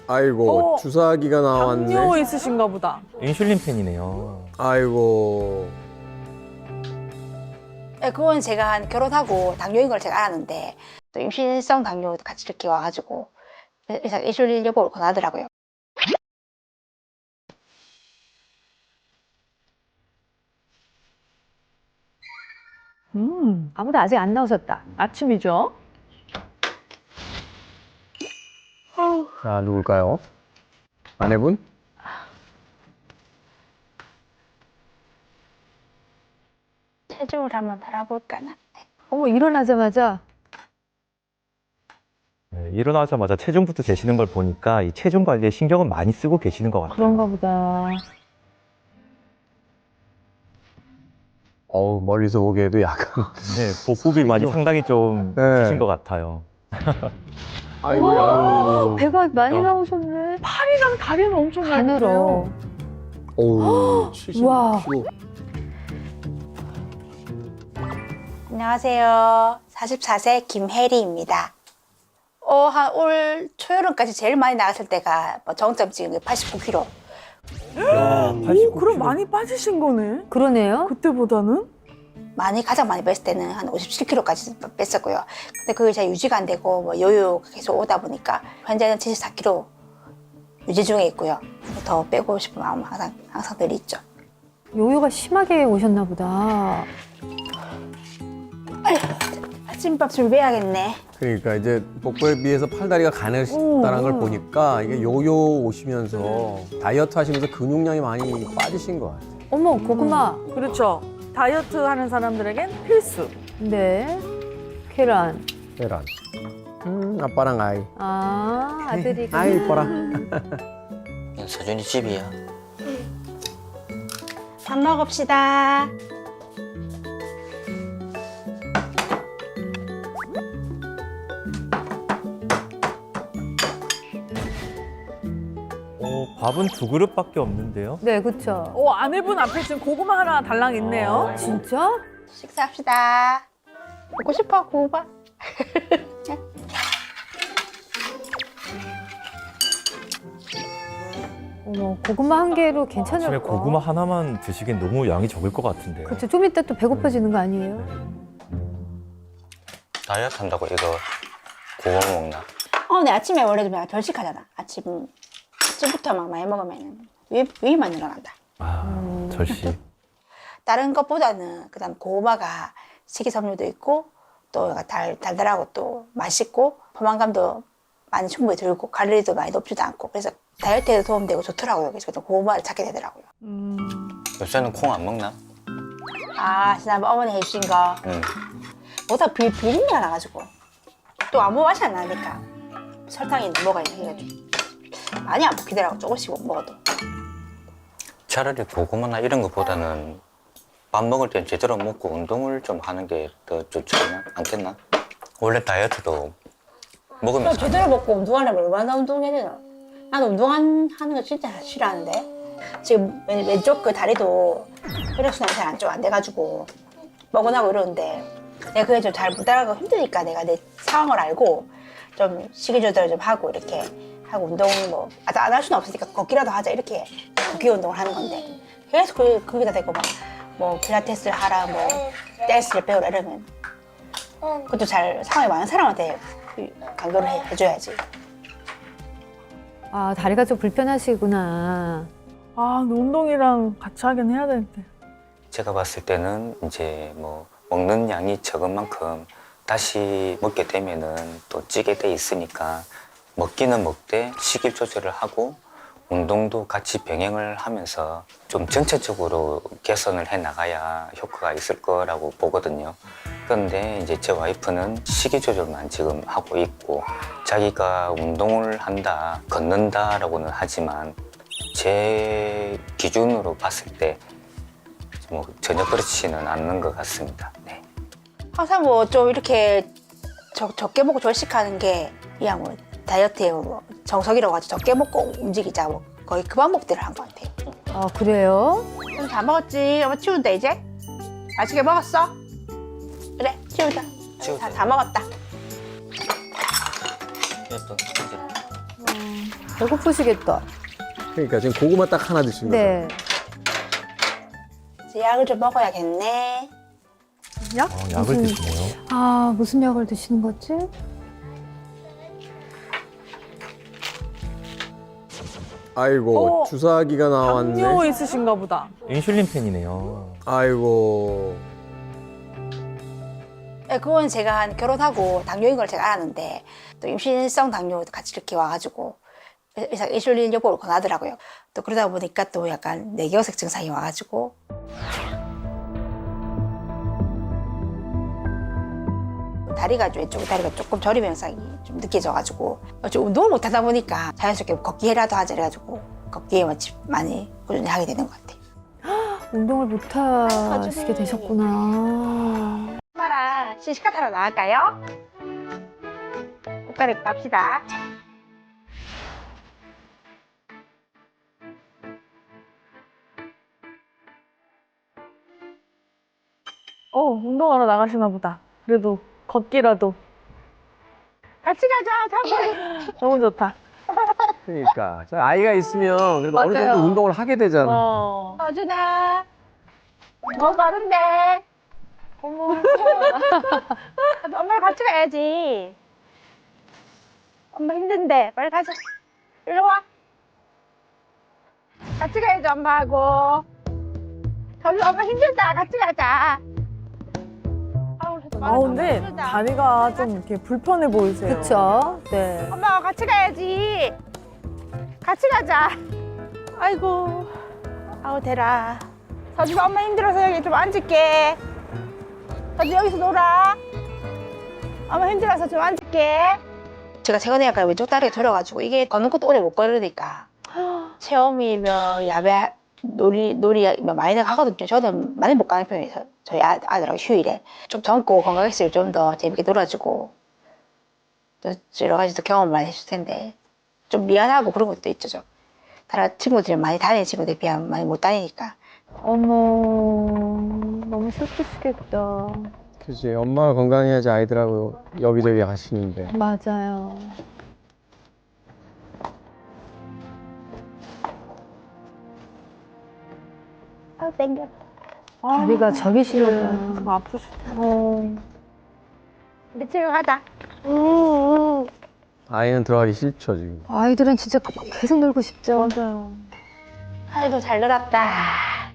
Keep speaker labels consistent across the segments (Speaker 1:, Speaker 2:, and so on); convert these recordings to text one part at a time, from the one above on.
Speaker 1: 아이고 주사기가 나왔네.
Speaker 2: 당뇨 있으신가 보다.
Speaker 3: 인슐린 팬이네요.
Speaker 1: 아이고.
Speaker 4: 네, 그건 제가 한 결혼하고 당뇨인 걸 제가 알았는데 또 임신성 당뇨 같이 이렇게 와가지고 의사 인슐린 여보를 권하더라고요.
Speaker 2: 아무도 아직 안 나오셨다. 아침이죠?
Speaker 1: 자 누굴까요? 아내분?
Speaker 4: 체중을 한번 달아볼까나.
Speaker 2: 어머, 일어나자마자.
Speaker 3: 네, 일어나자마자 체중부터 재시는 걸 보니까 이 체중 관리에 신경을 많이 쓰고 계시는 것 같아요.
Speaker 2: 그런가 보다.
Speaker 1: 어우 멀리서 보기에도 약간.
Speaker 3: 네, 복부비 많이 상당히 좀
Speaker 1: 네.
Speaker 3: 크신 것 같아요.
Speaker 1: 아이고.
Speaker 2: 배가 많이 나오셨네. 팔이랑 다리는 엄청
Speaker 5: 가늘어.
Speaker 1: 어우
Speaker 2: 우와.
Speaker 1: 70kg.
Speaker 4: 안녕하세요. 44세 김혜리입니다. 한 올 초여름까지 제일 많이 나갔을 때가 뭐 정점 찍은 게 89kg.
Speaker 3: 야,
Speaker 2: 오, 그럼 많이 빠지신 거네.
Speaker 5: 그러네요.
Speaker 2: 그때보다는?
Speaker 4: 가장 많이 뺐을 때는 한 57kg까지 뺐었고요. 근데 그게 잘 유지가 안 되고 뭐 요요 계속 오다 보니까 현재는 74kg 유지 중에 있고요. 더 빼고 싶은 마음 항상 늘 있죠.
Speaker 5: 요요가 심하게 오셨나 보다.
Speaker 4: 아침밥 준비해야겠네.
Speaker 1: 그러니까 이제 복부에 비해서 팔다리가 가늘다는 걸 보니까 이게 요요 오시면서 다이어트 하시면서 근육량이 많이 빠지신 것 같아요.
Speaker 5: 어머, 고구마.
Speaker 2: 그렇죠. 다이어트 하는 사람들에겐 필수.
Speaker 5: 네. 계란.
Speaker 1: 계란. 아빠랑 아이.
Speaker 5: 아, 아들이.
Speaker 1: 아이 이뻐라.
Speaker 6: 서준이 집이야.
Speaker 4: 밥 먹읍시다.
Speaker 3: 밥은 2그릇밖에 없는데요.
Speaker 5: 네, 그쵸.
Speaker 2: 아내분 앞에 지금 고구마 하나 달랑 있네요.
Speaker 5: 진짜?
Speaker 4: 식사합시다. 먹고 싶어, 고구마.
Speaker 5: 어머, 고구마 한 개로
Speaker 3: 아침에
Speaker 5: 괜찮을까?
Speaker 3: 고구마 하나만 드시기엔 너무 양이 적을 것 같은데요.
Speaker 5: 그쵸, 좀 이따 또 배고파지는 거 아니에요?
Speaker 6: 다이어트 한다고 이거 고구마 먹나?
Speaker 4: 내 아침에 원래 좀 결식하잖아. 아침부터 막 많이 먹으면 위만 늘어난다.
Speaker 3: 절시.
Speaker 4: 다른 것보다는 그다음 고구마가 식이섬유도 있고 또 달달하고 또 맛있고 포만감도 많이 충분히 들고 칼로리도 많이 높지도 않고 그래서 다이어트에도 도움되고 좋더라고요. 그래서 고구마를 찾게 되더라고요.
Speaker 6: 요새는 콩 안 먹나?
Speaker 4: 지난번 어머니 해주신 거
Speaker 6: 응.
Speaker 4: 뭐다 비린내가 나가지고 또 아무 맛이 안 나니까 설탕이 뭐가 해가지고 많이 안 먹히더라고. 조금씩 먹어도.
Speaker 6: 차라리 고구마나 이런 것보다는 밥 먹을 땐 제대로 먹고 운동을 좀 하는 게 더 좋지 않겠나? 원래 다이어트도 먹으면서
Speaker 4: 제대로 먹고 운동하려면 얼마나 운동해야 되나? 나는 운동하는 거 진짜 싫어하는데 지금 왼쪽 그 다리도 혈액순환이 잘 안 돼가지고 뻐근하고 이러는데 내가 그게 좀 잘 못 따라가고 힘드니까 내가 내 상황을 알고 좀 식이 조절을 좀 하고 이렇게 하고 운동 뭐 안 할 수는 없으니까 걷기라도 하자 이렇게 걷기 운동을 하는 건데 계속 거기다 대고 뭐 필라테스를 하라 뭐 댄스를 배우라 이러면 그것도 잘 상황이 많은 사람한테 강조를 해줘야지.
Speaker 5: 아, 다리가 좀 불편하시구나.
Speaker 2: 근데 운동이랑 같이 하긴 해야 되는데.
Speaker 6: 제가 봤을 때는 이제 뭐 먹는 양이 적은 만큼 다시 먹게 되면은 또 찌게 돼 있으니까 먹기는 먹되 식입 조절을 하고 운동도 같이 병행을 하면서 좀 전체적으로 개선을 해 나가야 효과가 있을 거라고 보거든요. 그런데 이제 제 와이프는 식이 조절만 지금 하고 있고 자기가 운동을 한다, 걷는다라고는 하지만 제 기준으로 봤을 때 뭐 전혀 그렇지는 않는 것 같습니다. 네.
Speaker 4: 항상 뭐 좀 이렇게 적게 먹고 절식하는 게 그냥 뭐 다이어트의 뭐 정석이라고 하죠. 적게 먹고 움직이자 뭐 거의 그 방법들을 한 것 같아요.
Speaker 5: 아, 그래요?
Speaker 4: 그럼 다 먹었지? 엄마 치운다 이제? 맛있게 먹었어? 그래 치우자.
Speaker 6: 치우자.
Speaker 4: 다 먹었다.
Speaker 6: 이것도 이제
Speaker 5: 배고프시겠다.
Speaker 1: 그러니까 지금 고구마 딱 하나 드신 거죠.
Speaker 5: 네.
Speaker 4: 이제 약을 좀 먹어야겠네.
Speaker 2: 약?
Speaker 3: 약을 드시네요.
Speaker 5: 아, 무슨 약을 드시는 거지?
Speaker 1: 아이고 주사기가 나왔네.
Speaker 2: 당뇨 있으신가 보다.
Speaker 3: 인슐린 펜이네요.
Speaker 1: 아이고.
Speaker 4: 네, 그건 제가 한 결혼하고 당뇨인 걸 제가 알았는데 또 임신성 당뇨도 같이 이렇게 와가지고 의사 인슐린 요법을 권하더라고요. 또 그러다 보니까 또 약간 뇌경색 증상이 와가지고 다리가 왼쪽 다리가 조금 저림 현상이 좀 느껴져가지고 좀 운동을 못 하다 보니까 자연스럽게 걷기라도 하자 그래가지고 걷기에 많이 꾸준히 하게 되는 것 같아요.
Speaker 5: 운동을 못 하시게 되셨구나.
Speaker 4: 엄마랑 시식카 타러 나갈까요? 옷 갈아입고 갑시다.
Speaker 2: 운동하러 나가시나 보다. 그래도 걷기라도.
Speaker 4: 같이 가자,
Speaker 2: 너무 좋다.
Speaker 1: 그러니까 자, 아이가 있으면 그래도 어느
Speaker 2: 맞아요.
Speaker 1: 정도 운동을 하게 되잖아.
Speaker 4: 서준아, 뭐 마른데? 어머, 엄마랑 같이 가야지. 엄마 힘든데, 빨리 가자. 일로 와. 같이 가야지, 엄마하고. 서준 엄마 힘들다, 같이 가자.
Speaker 2: 근데 다리가 좀 이렇게 불편해 보이세요.
Speaker 5: 그쵸? 네.
Speaker 4: 엄마와 같이 가야지. 같이 가자. 아이고. 아우, 대라. 서준아, 엄마 힘들어서 여기 좀 앉을게. 서준 여기서 놀아. 엄마 힘들어서 좀 앉을게. 제가 최근에 약간 왼쪽 다리가 저려가지고 이게 걷는 것도 오래 못 걸으니까 체험이며 야외 놀이 많이 나가거든요. 저는 많이 못 가는 편이에요. 저희 아들하고 휴일에 좀 젊고 건강했을 좀 더 재밌게 놀아주고 또 여러 가지 또 경험을 많이 해줄 텐데 좀 미안하고 그런 것도 있죠. 좀. 다른 친구들이 많이 다니는 친구들에 비하면 많이 못 다니니까.
Speaker 5: 어머, 너무 슬프시겠다.
Speaker 1: 그지 엄마가 건강해야지 아이들하고 여기저기 가시는데.
Speaker 5: 맞아요.
Speaker 4: 아, 땡겨.
Speaker 5: 다리가 저기 시려구나.
Speaker 2: 좀 아프시다.
Speaker 4: 우리 집에 가자.
Speaker 1: 아이는 들어가기 싫죠 지금.
Speaker 5: 아이들은 진짜 계속 놀고 싶죠.
Speaker 2: 맞아요.
Speaker 4: 아이고, 잘 놀았다.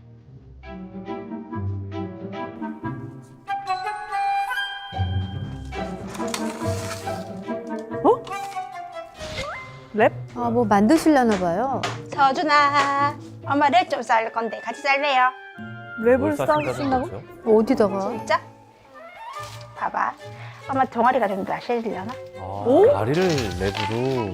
Speaker 2: 랩?
Speaker 5: 아, 뭐 만드시려나 봐요.
Speaker 4: 서준아, 엄마 랩 좀 쌀 건데 같이 쌀래요?
Speaker 2: 랩을 싸우신다고?
Speaker 5: 어디다가?
Speaker 4: 진짜? 봐봐. 엄마 동아리가 좀 날씬해지려나?
Speaker 3: 다리를 랩으로.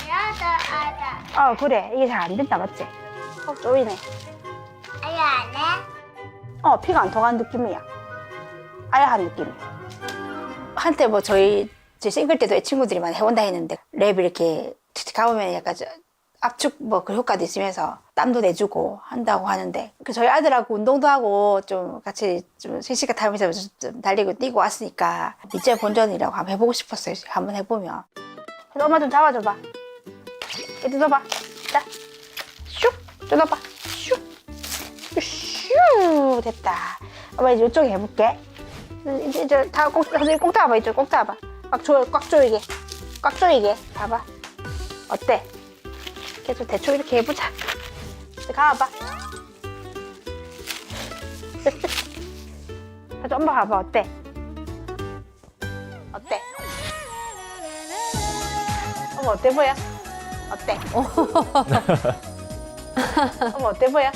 Speaker 4: 그래. 이게 잘 안 된다, 맞지? 쪼이네.
Speaker 7: 아유 안 해?
Speaker 4: 피가 안 통하는 느낌이야. 아야한 느낌이야. 한때 뭐 저희 싱글 때도 친구들이 많이 해본다 했는데 랩 이렇게 가보면 약간 압축 뭐 그 효과도 있으면서 땀도 내주고 한다고 하는데 저희 아들하고 운동도 하고 좀 같이 좀 실시간 타면서 좀 달리고 뛰고 왔으니까 이제 본전이라고 한번 해보고 싶었어요. 한번 해보면. 그래서 엄마 좀 잡아줘봐. 이리 넣어봐. 자, 슉 뜯어봐. 슉 됐다. 엄마 이제 이쪽에 해볼게. 이제 다 선생님 꼭 잡아봐. 이쪽 꼭 잡아봐. 꽉 조이게. 꽉 조이게. 봐봐. 어때? 계속 대충 이렇게 해보자. 이제 가봐. 다시 엄마 가봐. 어때? 어때? 엄마 어때 보여? 어때? 엄마 어때 보여?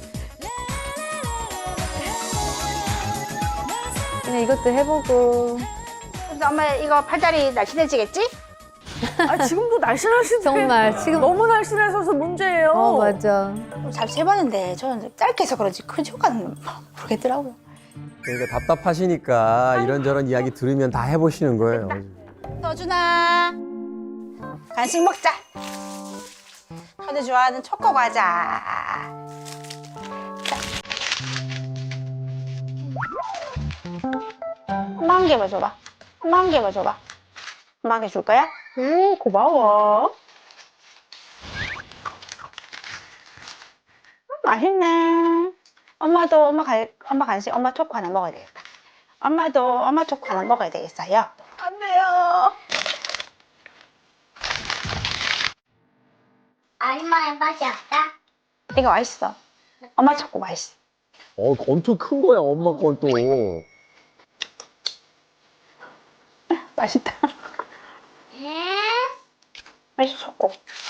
Speaker 5: 그냥 이것도 해보고.
Speaker 4: 그래서 엄마 이거 팔다리 날씬해지겠지?
Speaker 2: 지금도 날씬하신데.
Speaker 5: 정말 지금.
Speaker 2: 너무 날씬하셔서 문제예요.
Speaker 5: 맞아.
Speaker 4: 잘 세봤는데 저는 짧게 해서 그런지 큰 효과는 모르겠더라고요.
Speaker 1: 그러니까 답답하시니까 이런저런 이야기 들으면 다 해보시는 거예요.
Speaker 4: 서준아, 간식 먹자. 현우 좋아하는 초코 과자. 자. 엄마 한 개만 줘봐. 엄마 한 개만 줘봐. 엄마 한 개 줄 거야? 고마워. 맛있네. 엄마도 엄마 간식 엄마 초코 하나 먹어야 되겠다. 엄마도 엄마 초코 하나 먹어야 되겠어요. 안 돼요.
Speaker 7: 아줌마의 맛이 없다.
Speaker 4: 이거 맛있어. 엄마 초코 맛있어.
Speaker 1: 엄청 큰 거야, 엄마 건 또.
Speaker 4: 맛있다. 맛있어 초코.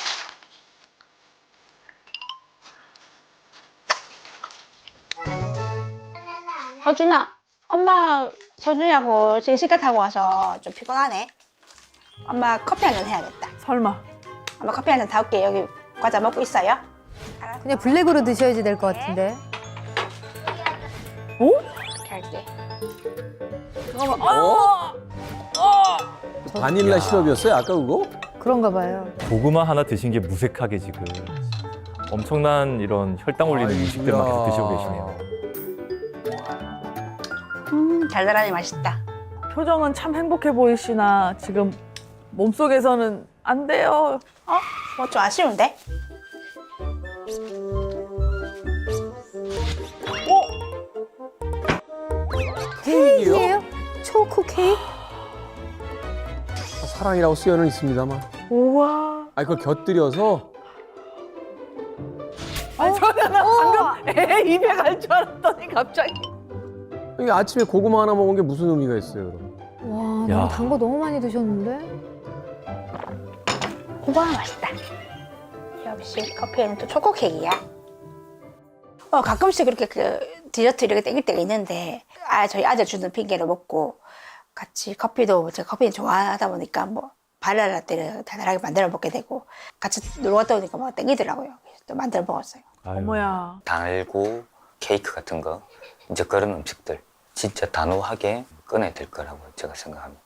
Speaker 4: 서준아, 엄마 서준이하고 지금 시간 타고 와서 좀 피곤하네. 엄마 커피 한 잔 해야겠다.
Speaker 2: 설마.
Speaker 4: 엄마 커피 한 잔 타올게. 여기 과자 먹고 있어요.
Speaker 5: 그냥 블랙으로 드셔야지 될 것 같은데.
Speaker 4: 이렇게 할게.
Speaker 1: 바닐라 시럽이었어요, 아까 그거?
Speaker 5: 그런가 봐요.
Speaker 8: 고구마 하나 드신 게 무색하게 지금 엄청난 이런 혈당 올리는 음식들만 계속 드시고 계시네요.
Speaker 4: 달달하니 맛있다.
Speaker 2: 표정은 참 행복해 보이시나 지금 몸속에서는 안 돼요.
Speaker 4: 뭐 좀 아쉬운데?
Speaker 5: 케이크예요? 초코 케이크?
Speaker 1: 사랑이라고 쓰여는 있습니다만.
Speaker 2: 우와.
Speaker 1: 아니, 그걸 곁들여서.
Speaker 2: 아니 저는 방금 애 입에 갈 줄 알았더니 갑자기.
Speaker 1: 이게 아침에 고구마 하나 먹은 게 무슨 의미가 있어요, 그럼?
Speaker 5: 와,
Speaker 8: 야.
Speaker 5: 너무 단 거 너무 많이 드셨는데?
Speaker 4: 우와 맛있다. 역시 커피는 또 초코 케이크야. 가끔씩 이렇게 그 디저트 이렇게 땡길 때가 있는데 저희 아들 주는 핑계를 먹고 같이 커피도 제가 커피는 좋아하다 보니까 뭐 바닐라 라떼를 달달하게 만들어 먹게 되고 같이 놀러 갔다 오니까 막 땡기더라고요. 그래서 또 만들어 먹었어요.
Speaker 8: 아유.
Speaker 2: 어머야.
Speaker 6: 달고 케이크 같은 거 이제 그런 음식들 진짜 단호하게 꺼내야 될 거라고 제가 생각합니다.